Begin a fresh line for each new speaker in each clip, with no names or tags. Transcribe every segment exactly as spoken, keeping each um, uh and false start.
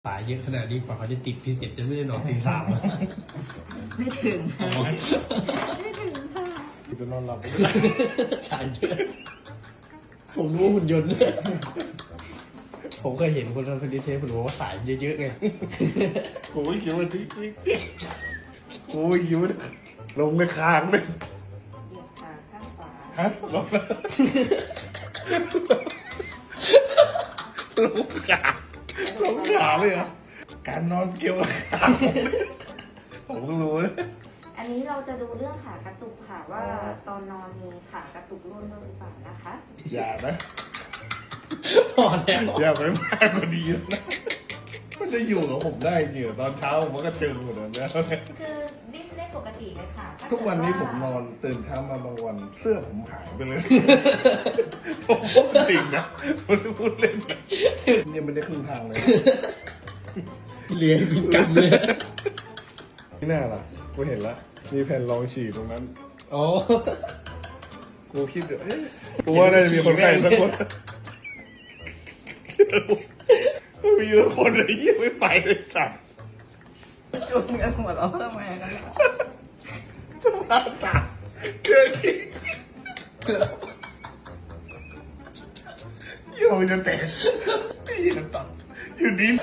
สายเยอะขนาดนี้กว่าเขาจะติดพิเศษจะไม่ได้นอนตีสาม
ไม่ถึงค่ะไม่ถึงค่ะ
จะนอนหลับ
สายเยอะผมรู้ว่าหุ่นยนต์เนี่ยผมเคยเห็นคนทำฟิตเนสผมบอกว่าสายเยอะๆไง
กูไม่คิดว่าที่กูไม่คิดว่าลงในคางเลย
เหยียบขาข้างขวา
ฮะลงลงขาลงขาเลยเหรอการนอนเกี่ยวกับขาผมเพิ่งรู้เลย
อันนี้เราจะดูเรื่องขากระตุกค่ะว่าตอนนอนมีขากระตุกร่วมด้วยหรือเปล่านะคะ
อย่านะ
พอแล้ว
อย่าไปมากกว่านี้นะมันจะอยู่กับผมได้จริงเหรอตอนเช้าผมก็เจอหมดแล้ว
คือดิ้นได้ปกติเลยค่ะถ้า
ทุกวันนี้
เด
ผมนอนตื่นเช้ามาบางวัน เสื้อผมหายไปเลย ผมพูดจริงนะไม่ได้พูดเล่นนะยังไม่ได้ครึ่งทางเลย
เลี้ยงเป็นกรรมเลย
ที่หน้าล่ะกูเห็นละมีแผ่นรองฉี่ตรงนั้น
อ๋อ
กูคิดเดี๋ยวเอ๊ะกูว่าน่าจะมีคนไข้สักคนมีสักคนเลยยังไม่ไปเลยจับ
จุ่มกันหัวเราะทำไมกันเนี่ย
จะมาจับเกินจริงโยมจะแตกไอ้ยังตับอยู่ดี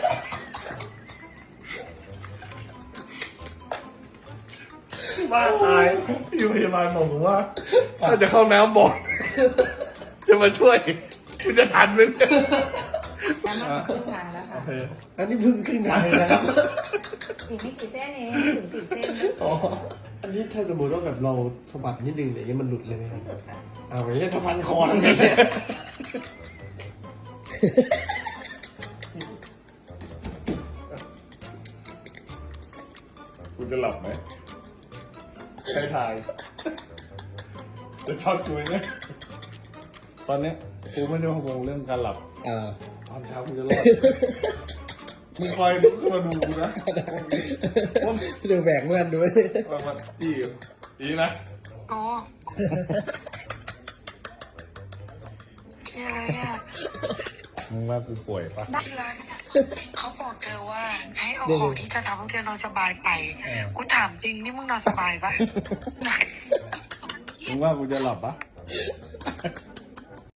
บ้าตายอยู่พยาบาลบอกผมว่าถ้าจะเข้าน้ำบ่อยจะมาช่วยคุณจะทันไหมเนี่ย
การมาถึงครึ่งทางแล้วค่ะ
อันนี้เพิ่งขึ้นทางเลยนะครับ
อีกไม่กี่เส้นเองถึงสี่เส้นนะ
อ๋อ อันนี้ถ้าสมมติว่าแบบเราสะบัดนิดนึงเนี่ยมันหลุดเลยไหมค
ไม่
รับ
เกิดค่ะ
อ้าวอย่างนี้จะพันคอทำไงเนี่ย
คุณจะหลับไหมใครทาย จะช็อตกูไหมเนี่ยตอนเนี้ยกูไม่ได้พะวงเรื่องการหลับ
อ่า
ตอนเช้ากูจะรอด มึงคอยลุกขึ้นมาดูกูนะว่า
เดี๋ยวแบกเลื่อนด้วย
ว่ามันอีอีนะ
โอ้เชื่ออะไรอ่ะ
มึงว่ากูป่วยปะ
ได้เลยเขาบอกเธอว่า ให้เอาของที่จะทำให้เธอนอนสบายไป กูถามจริงนี่มึงนอนสบายปะ
มึงว่ากูจะหลับปะ